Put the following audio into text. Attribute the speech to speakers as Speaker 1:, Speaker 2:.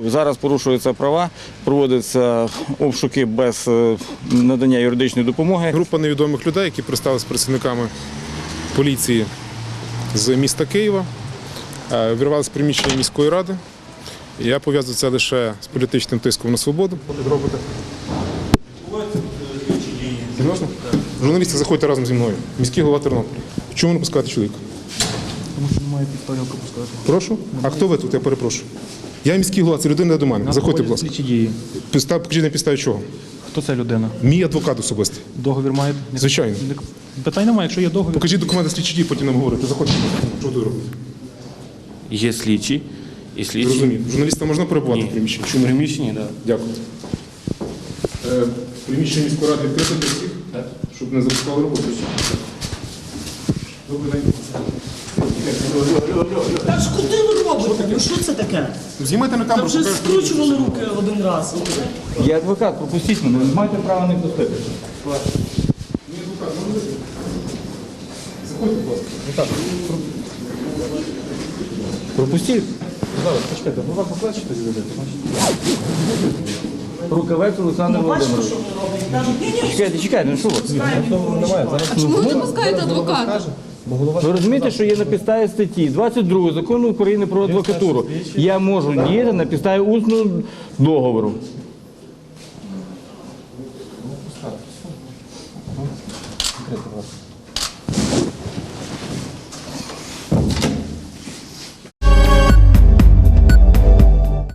Speaker 1: Зараз порушуються права, проводяться обшуки без надання юридичної допомоги.
Speaker 2: Група невідомих людей, які представилися працівниками поліції з міста Києва, вірвалися в приміщення міської ради. Я пов'язую це лише з політичним тиском на свободу. Серйозно? Журналісти, заходьте разом зі мною. Міський голова Тернополя. Чому не пускаєте чоловіка?
Speaker 3: Тому що немає підстав його пропускати.
Speaker 2: Прошу? А хто ви тут? Я перепрошую. Я міський голова, це людина до мене. Заходьте, будь ласка.
Speaker 3: Слідчі дії.
Speaker 2: Покажіть на підставі чого.
Speaker 3: Хто ця людина?
Speaker 2: Мій адвокат особистий.
Speaker 3: Договір має?
Speaker 2: Звичайно.
Speaker 3: Питань немає, якщо є договір.
Speaker 2: Покажіть документи слідчі дії, потім нам говорите. Заходьте. Що тут робите?
Speaker 4: Є слідчі. І слідчі.
Speaker 2: Розумію. Журналістам можна перебувати в приміщенні?
Speaker 4: В приміщенні, так.
Speaker 2: Дякую. Приміщення міської ради відкрите для всіх? Так. Щоб не запускали роботу. Добрий день.
Speaker 5: Та ж куди ви робите? Ну що це таке?
Speaker 2: Знімайте на
Speaker 5: Та
Speaker 2: камеру.
Speaker 5: вже скручували руки один раз.
Speaker 1: Я адвокат, пропустіть мене, не маєте права не пустити.
Speaker 2: Мій адвокат, можна вийти? Заходьте, будь ласка.
Speaker 1: Пропустіть.
Speaker 3: Зараз, почекайте, голова покличте людей.
Speaker 1: Рукавець Олександр
Speaker 5: Бачите,
Speaker 1: Володимирович.
Speaker 5: що вони роблять? Кажуть, ні-ні,
Speaker 1: Чекайте, ну що ви?
Speaker 3: Немає. Зараз
Speaker 6: А чому ви не пускаєте адвоката?
Speaker 1: Ви розумієте, що є на підставі статті 22 Закону України про адвокатуру. Я можу діяти на підставі усного договору.
Speaker 3: Конкретно вас.